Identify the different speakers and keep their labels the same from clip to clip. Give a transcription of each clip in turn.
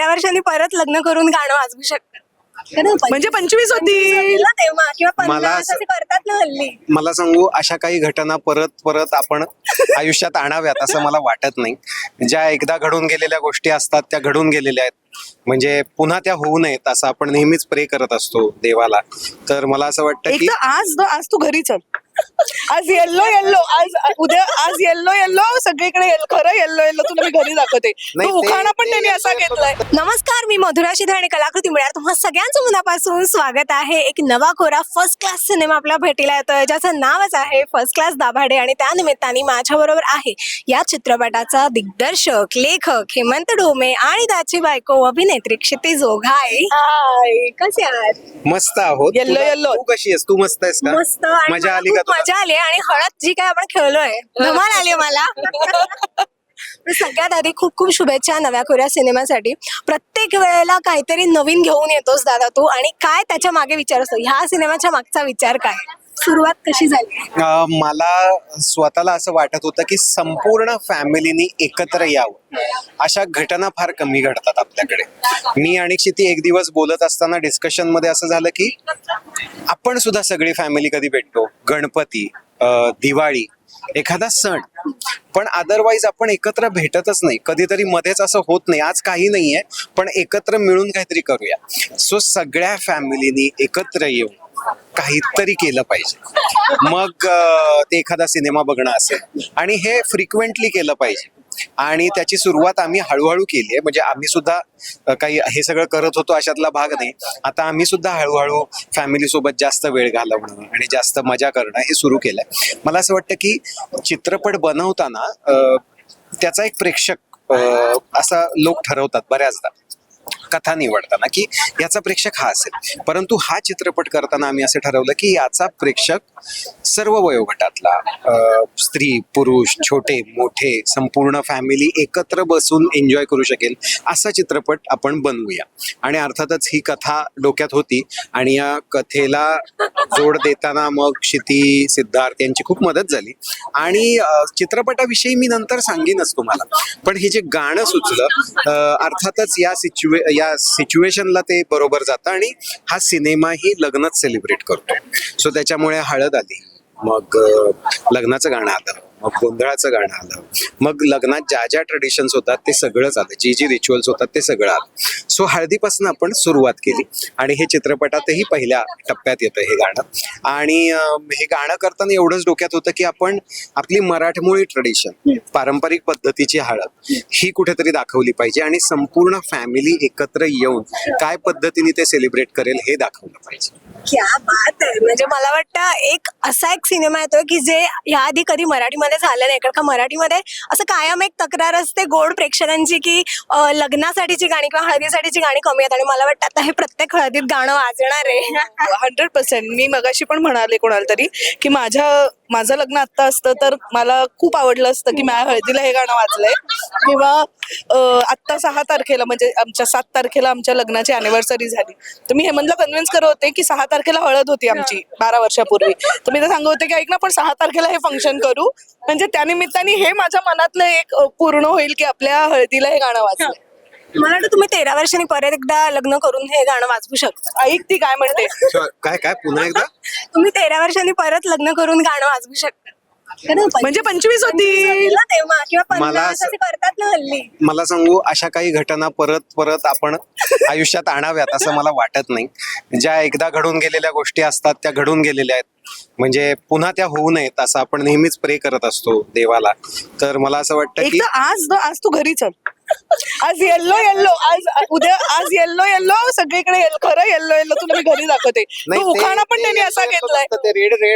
Speaker 1: वर्षांनी परत लग्न करून गाणं वाजवू शकतात.
Speaker 2: म्हणजे 25 होती
Speaker 1: तेव्हा किंवा
Speaker 3: मला
Speaker 1: 50
Speaker 3: असं-
Speaker 1: असे करतात ना हल्ली.
Speaker 3: मला सांगू, अशा काही घटना परत परत आपण आयुष्यात आणाव्यात असं मला वाटत नाही. ज्या एकदा घडून गेलेल्या गोष्टी असतात त्या घडून गेलेल्या आहेत, म्हणजे पुन्हा त्या होऊ नयेत असं आपण नेहमीच प्रे करत असतो देवाला. तर मला असं वाटतं
Speaker 2: एक
Speaker 3: की
Speaker 2: तर आज तू घरी चल. आज येल्लो येल्लो, आज येल्लो येल्लो सगळीकडे खरं येल्लो येल्लो तुला मी घरी दाखवते.
Speaker 3: नाही,
Speaker 2: तो उखाणा पण
Speaker 3: ते
Speaker 2: त्यांनी असा घेतलाय.
Speaker 1: नमस्कार, मी मधुरा शिधे आणि कलाकृती मिळणार तुम्हा सगळ्यांचं मनापासून स्वागत आहे. एक नवा कोरा फर्स्ट क्लास सिनेमा आपल्या भेटीला येतोय, ज्याचं नावच आहे फर्स्ट क्लास दाभाडे. आणि त्या निमित्ताने माझ्या बरोबर आहे या चित्रपटाचा दिग्दर्शक, लेखक हेमंत ढोमे आणि त्याची बायको अभिनेत्री क्षितिज ओघाई. हाय, कसे आहात?
Speaker 3: मस्त आहोत.
Speaker 2: Yellow yellow.
Speaker 3: तू कशी आहेस? तू मस्त आहेस का?
Speaker 1: मस्त. आणि
Speaker 3: मजा
Speaker 1: मला
Speaker 3: आली
Speaker 1: खूप
Speaker 3: का तुला?
Speaker 1: मजा आली आणि हळद जी काय आपण खेळलोय धमाल आली मला. पण सगळ्यात आधी खूप खूप शुभेच्छा नव्या कोऱ्या सिनेमासाठी. प्रत्येक वेळेला काहीतरी नवीन घेऊन येतोस दादा तू, आणि काय त्याच्या मागे विचार असतो, ह्या सिनेमाच्या मागचा विचार काय, सुरुवात कशी झाली?
Speaker 3: मला स्वतःला असं वाटत होतं की संपूर्ण फॅमिलीनी एकत्र यावं. अशा घटना फार कमी घडतात आपल्याकडे. मी आणि क्षिती एक दिवस बोलत असताना डिस्कशन मध्ये असं झालं की आपण सुद्धा सगळी फॅमिली कधी भेटतो, गणपती, दिवाळी, एखादा सण, पण अदरवाईज आपण एकत्र भेटतच नाही. कधीतरी मध्येच असं होत नाही, आज काही नाहीये पण एकत्र मिळून काहीतरी करूया. सो सगळ्या फॅमिलीनी एकत्र येऊन काहीतरी केलं पाहिजे. मग ते एखादा सिनेमा बघणं असेल, आणि हे फ्रिक्वेंटली केलं पाहिजे. आणि त्याची सुरुवात आम्ही हळूहळू केली आहे. म्हणजे आम्ही सुद्धा काही हे सगळं करत होतो अशातला भाग नाही. आता आम्ही सुद्धा हळूहळू फॅमिली सोबत जास्त वेळ घालवणं आणि जास्त मजा करणं हे सुरू केलंय. मला असं वाटतं की चित्रपट बनवताना त्याचा एक प्रेक्षक असा लोक ठरवतात बऱ्याचदा कथा निवडताना की याचा प्रेक्षक हा असेल. परंतु हा चित्रपट करताना आम्ही असं ठरवलं की याचा प्रेक्षक सर्व वयोगटातला, स्त्री पुरुष, छोटे मोठे, संपूर्ण फॅमिली एकत्र बसून एन्जॉय करू शकेल असा चित्रपट आपण बनवूया. आणि अर्थातच ही कथा डोक्यात होती आणि या कथेला जोड देताना मग क्षिती, सिद्धार्थ यांची खूप मदत झाली. आणि चित्रपटाविषयी मी नंतर सांगेनच तुम्हाला, पण हे जे गाणं सुचलं अर्थातच या सिच्युएशनला ते बरोबर जातं. आणि हा सिनेमाही लग्नच सेलिब्रेट करतो. सो त्याच्यामुळे हळद आली, मग लग्नाचं गाणं आलं, मग गोंधळाचं गाणं आलं, मग लग्नात ज्या ज्या ट्रेडिशन्स होतात ते सगळंच आलं, जी रिच्युअल्स होतात ते सगळं आलं. सो हळदीपासून आपण सुरुवात केली आणि हे चित्रपटातही पहिल्या टप्प्यात येतं हे गाणं. आणि हे गाणं करताना एवढंच डोक्यात होतं की आपण आपली मराठमोळी ट्रेडिशन, पारंपरिक पद्धतीची हळद ही कुठेतरी दाखवली पाहिजे आणि संपूर्ण फॅमिली एकत्र येऊन काय पद्धतीने ते सेलिब्रेट करेल हे दाखवलं पाहिजे.
Speaker 1: क्या बात आहे. म्हणजे मला वाटतं एक असा एक सिनेमा येतोय की जे याआधी कधी मराठीमध्ये झालं नाही. कारण का मराठीमध्ये असं कायम एक तक्रार असते गोड प्रेक्षकांची की लग्नासाठीची गाणी किंवा हळदीसाठीची गाणी कमी आहेत. आणि मला वाटतं आता हे प्रत्येक हळदीत गाणं वाजणार आहे.
Speaker 2: 100%. मी मगाशी पण म्हणाले कोणाला तरी की माझं लग्न आत्ता असतं तर मला खूप आवडलं असतं की माझ्या हळदीला हे गाणं वाजलंय. किंवा आत्ता 6 तारखेला म्हणजे आमच्या 7 तारखेला आमच्या लग्नाची अॅनिव्हर्सरी झाली, तर मी हेमंतला कन्व्हिन्स करत होते की 6 तारखेला हळद होती आमची 12 वर्षापूर्वी. तर मी तर सांगत होते की ऐक ना, पण 6 तारखेला हे फंक्शन करू, म्हणजे त्यानिमित्ताने हे माझ्या मनातलं एक पूर्ण होईल की आपल्या हळदीला हे गाणं वाजलं.
Speaker 1: मला वाटतं तुम्ही 13 वर्षांनी परत एकदा लग्न करून हे गाणं वाजवू शकता.
Speaker 2: ऐक ती काय म्हणते.
Speaker 3: काय पुन्हा एकदा?
Speaker 1: तुम्ही 13 वर्षांनी परत लग्न करून गाणं वाजवू शकता.
Speaker 2: म्हणजे 25 होती
Speaker 1: तेव्हा किंवा 50
Speaker 3: मला
Speaker 1: असे करतात ना हल्ली.
Speaker 3: मला सांगू, अशा काही घटना परत परत आपण आयुष्यात आणाव्यात असं मला वाटत नाही. ज्या एकदा घडून गेलेल्या गोष्टी असतात त्या घडून गेलेल्या आहेत, म्हणजे पुन्हा त्या होऊ नयेत असं आपण नेहमीच प्रे करत असतो देवाला. तर मला असं वाटतं
Speaker 2: एक
Speaker 3: की
Speaker 2: तर आज तू घरी चल. आज येल्लो येल्लो, आज येल्लो येल्लो सगळीकडे खरं येल्लो येल्लो तुला मी घरी दाखवते. तो उखाणा पण त्यांनी असा घेतलाय.
Speaker 3: ते रेड रेड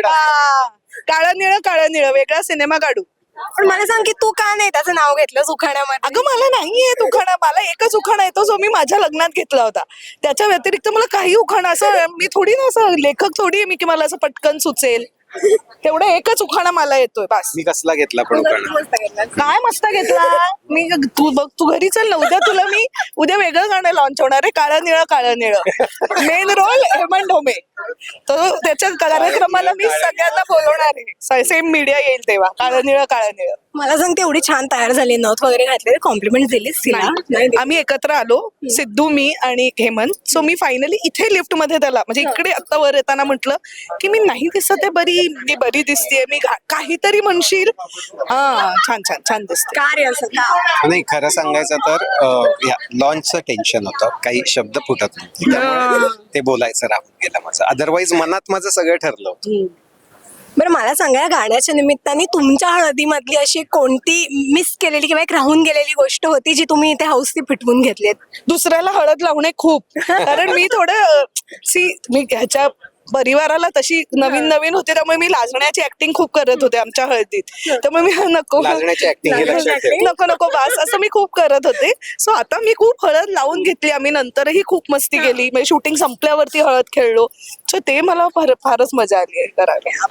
Speaker 2: काळं निळं वेगळा सिनेमा काढू.
Speaker 1: पण मला सांग की तू का नाही त्याचं नाव घेतलं उखाण्यामध्ये?
Speaker 2: अगं मला नाहीये उखाणा, मला एकच उखाणा येतो जो मी माझ्या लग्नात घेतला होता. त्याच्या व्यतिरिक्त मला काही उखाणा, असं मी थोडी ना, असं लेखक थोडी आहे मी की मला असं पटकन सुचेल. तेवढं एकच उखाणा मला येतोय बस.
Speaker 3: मी कसला घेतला पण उखाणा?
Speaker 2: काय मस्त घेतला मी. तू घरी चल ना, उद्या वेगळं गाणं लॉन्च होणार आहे, काळं निळं. Main role Hemant Dhome. तर त्याच्या कार्यक्रमाला मी सगळ्यांना बोलवणार आहे. सेम मीडिया येईल तेव्हा. काळं निळं
Speaker 1: मला सांगते एवढी छान तयार झाली, नथ वगैरे घातले, कॉम्प्लिमेंट दिलीस तिला? नाही दिली.
Speaker 2: आम्ही एकत्र आलो, सिद्धू, मी आणि हेमंत. सो मी फायनली इथे लिफ्ट मध्ये त्याला म्हणजे इकडे आता वर येताना म्हटलं की मी नाही दिसत आहे बरी, मी बरी दिसतेय, मी काहीतरी म्हणशील. हा, छान छान छान दिसते.
Speaker 1: का रे असं का?
Speaker 3: नाही, खरं सांगायचं तर लॉन्चचं टेन्शन होतं, काही शब्द फुटत नव्हते, त्यामुळे ते बोलायचं राहून गेलं माझं. अदरवाईज मनात माझं सगळं ठरलं होतं.
Speaker 1: बरं मला सांगा, या गाण्याच्या निमित्ताने तुमच्या हळदीमधली अशी कोणती मिस केलेली किंवा एक राहून गेलेली गोष्ट होती जी तुम्ही इथे हौसनी पिटवून घेतलीत?
Speaker 2: दुसऱ्याला हळद लावणे खूप, कारण मी थोडं मी ह्याच्या परिवाराला तशी नवीन होते, त्यामुळे मी लाजण्याची ऍक्टिंग खूप करत होते आमच्या हळदीत. त्यामुळे मी नको
Speaker 3: लाजण्याची ऍक्टिंग हे लक्षात ठेव.
Speaker 2: नको बास असं मी खूप करत होते. सो आता मी खूप हळद लावून घेतली. आम्ही नंतरही खूप मस्ती केली, म्हणजे शूटिंग संपल्यावरती हळद खेळलो. सो ते मला फारच मजा आली आहे करायला.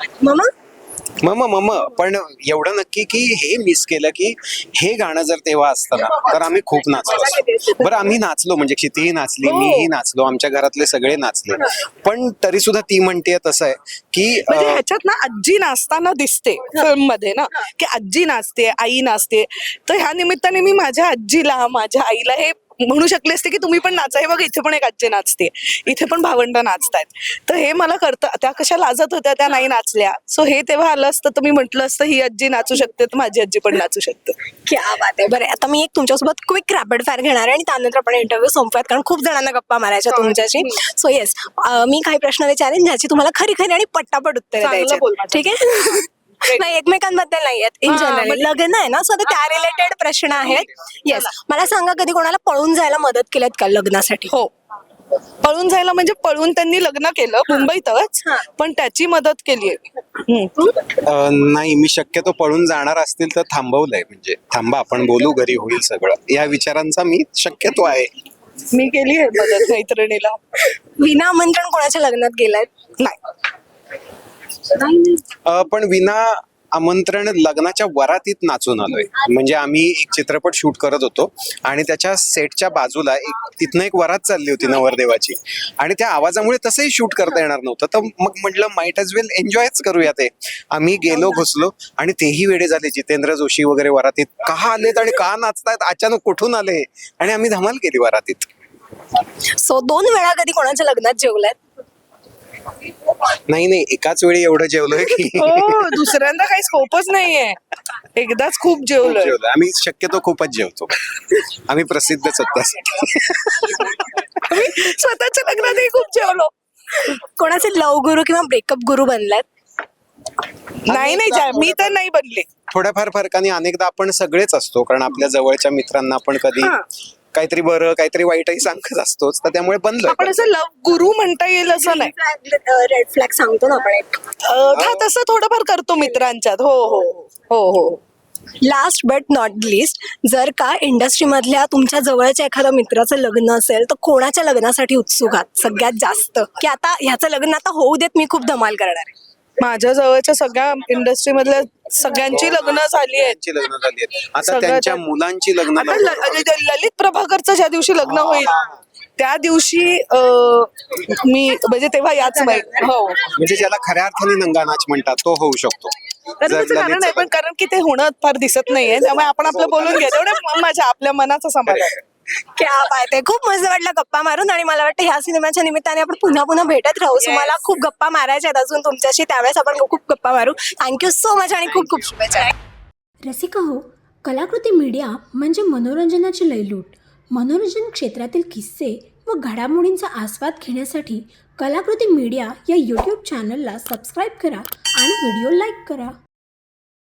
Speaker 1: मग
Speaker 3: पण एवढं नक्की की हे मिस केलं की हे गाणं जर तेव्हा असतं ना तर आम्ही खूप नाचलो असतो. बरं, आम्ही नाचलो म्हणजे क्षितीही नाचली, मीही नाचलो, आमच्या घरातले सगळे नाचले. पण तरी सुद्धा ती म्हणते तसं आहे की
Speaker 2: म्हणजे ह्याच्यात ना आजी नाचताना दिसते फिल्म मध्ये ना, की आजी नाचते, आई नाचते. तर ह्या निमित्ताने मी माझ्या आजीला, माझ्या आईला हे म्हणू शकले असते की तुम्ही पण नाचा. हे बघा, इथे पण एक आजी नाचते, इथे पण भावंड नाचतायत. तर हे मला करतं. त्या कशा लाजत होत्या, त्या नाही नाचल्या. सो हे तेव्हा आलं असतं तर मी म्हटलं असतं ही आजी नाचू शकते तर माझी आजी पण नाचू शकते.
Speaker 1: क्या बात आहे. बरं, आता मी एक तुमच्यासोबत क्विक रॅपिड फायर घेणार आहे आणि त्यानंतर आपण इंटरव्ह्यू संपवूयात, कारण खूप जणांना गप्पा मारायच्या तुमच्याशी. सो येस, मी काही प्रश्न विचारेन ज्याची तुम्हाला खरी आणि पट्टापट उत्तर
Speaker 2: चांगलं बोल
Speaker 1: द्यायची, ठीक आहे? नाही, एकमेकांबद्दल नाही आहेत, इन जनरल. लग्न आहे ना, सो त्या रिलेटेड प्रश्न आहेत. येस, मला सांगा, कधी कोणाला पळून जायला मदत केल्यात का लग्नासाठी?
Speaker 2: हो, पळून जायला म्हणजे पळून त्यांनी लग्न केलं मुंबईतच, पण त्याची मदत केली आहे.
Speaker 3: नाही, मी शक्यतो पळून जाणार असतील तर थांबवलंय, म्हणजे थांबा आपण बोलू, घरी होईल सगळं, या विचारांचा मी शक्यतो आहे.
Speaker 2: मी केली आहे मदत मैत्रिणीला.
Speaker 1: विना आमंत्रण कोणाच्या लग्नात गेलात?
Speaker 2: नाही.
Speaker 3: पण विना आमंत्रण लग्नाच्या वरातीत नाचून आलोय. म्हणजे आम्ही एक चित्रपट शूट करत होतो आणि त्याच्या सेटच्या बाजूला तिथनं एक वरात चालली होती नवरदेवाची, आणि त्या आवाजामुळे तसंही शूट करता येणार नव्हतं. तर मग म्हटलं माइट एज वेल एन्जॉयच करूया ते. आम्ही गेलो, घुसलो, आणि तेही वेडे झाले. जितेंद्र जोशी वगैरे वरातीत का आलेत आणि का नाचतायत, अचानक कुठून आले, आणि आम्ही धमाल केली वरातीत.
Speaker 1: सो 2 वेळा कधी कोणाच्या लग्नात जेवलात?
Speaker 3: नाही, एकाच वेळी एवढं जेवलोय की
Speaker 2: हो, दुसऱ्यांदा काही स्कोपच नाहीये. एकदाच खूप जेवलोय.
Speaker 3: आम्ही शक्यतो खूपच जेवतो. आम्ही प्रसिद्धच होत त्यासाठी.
Speaker 2: स्वतःच्या लग्नातही खूप जेवलो.
Speaker 1: कोणाचे लव गुरु किंवा ब्रेकअप गुरु बनलात?
Speaker 2: नाही, मी तर नाही बनले.
Speaker 3: थोड्याफार फरकाने अनेकदा आपण सगळेच असतो, कारण आपल्या जवळच्या मित्रांना आपण कधी काहीतरी बरं काहीतरी वाईटही सांगत असतोच, तर त्यामुळे बनलोय.
Speaker 2: आपण असं लव गुरु म्हणता येईल असं नाही.
Speaker 1: रेड फ्लॅग सांगतो ना आपण एक.
Speaker 2: हा, तसं थोडंफार करतो मित्रांच्यात. हो.
Speaker 1: लास्ट बट नॉट लिस्ट, जर का इंडस्ट्रीमधल्या तुमच्या जवळच्या एखाद्या मित्राचं लग्न असेल तर कोणाच्या लग्नासाठी उत्सुक आहात सगळ्यात जास्त, की आता ह्याचं लग्न आता होऊ देत, मी खूप धमाल करणार आहे?
Speaker 2: माझ्या जवळच्या सगळ्या इंडस्ट्री मधल्या सगळ्यांची लग्न झाली आहेत.
Speaker 3: आता त्यांच्या मुलांची लग्न.
Speaker 2: आता ललित प्रभाकरचं ज्या दिवशी लग्न होईल त्या दिवशी मी म्हणजे तेव्हा याच माहिती. हो,
Speaker 3: म्हणजे ज्याला खऱ्या अर्थाने नंगानाच म्हणतात तो होऊ शकतो.
Speaker 2: कारण आहे, पण कारण की ते होणं फार दिसत नाहीये, त्यामुळे आपण आपलं बोलून घ्या, तेवढं माझ्या आपल्या मनाचा समाधान.
Speaker 1: क्या बात आहे. खूप मजा वाटलं गप्पा मारून, आणि मला वाटतं ह्या सिनेमाच्या निमित्ताने आपण पुन्हा भेटत राहू. सो मला खूप गप्पा मारायच्या आहेत अजून तुमच्याशी, त्यावेळेस आपण खूप गप्पा मारू. थँक्यू सो मच आणि खूप शुभेच्छा.
Speaker 4: रसिका हो, कलाकृती मीडिया म्हणजे मनोरंजनाची लयलूट. मनोरंजन क्षेत्रातील किस्से व घडामोडींचा आस्वाद घेण्यासाठी कलाकृती मीडिया या यूट्यूब चॅनलला सबस्क्राईब करा आणि व्हिडिओ लाईक करा.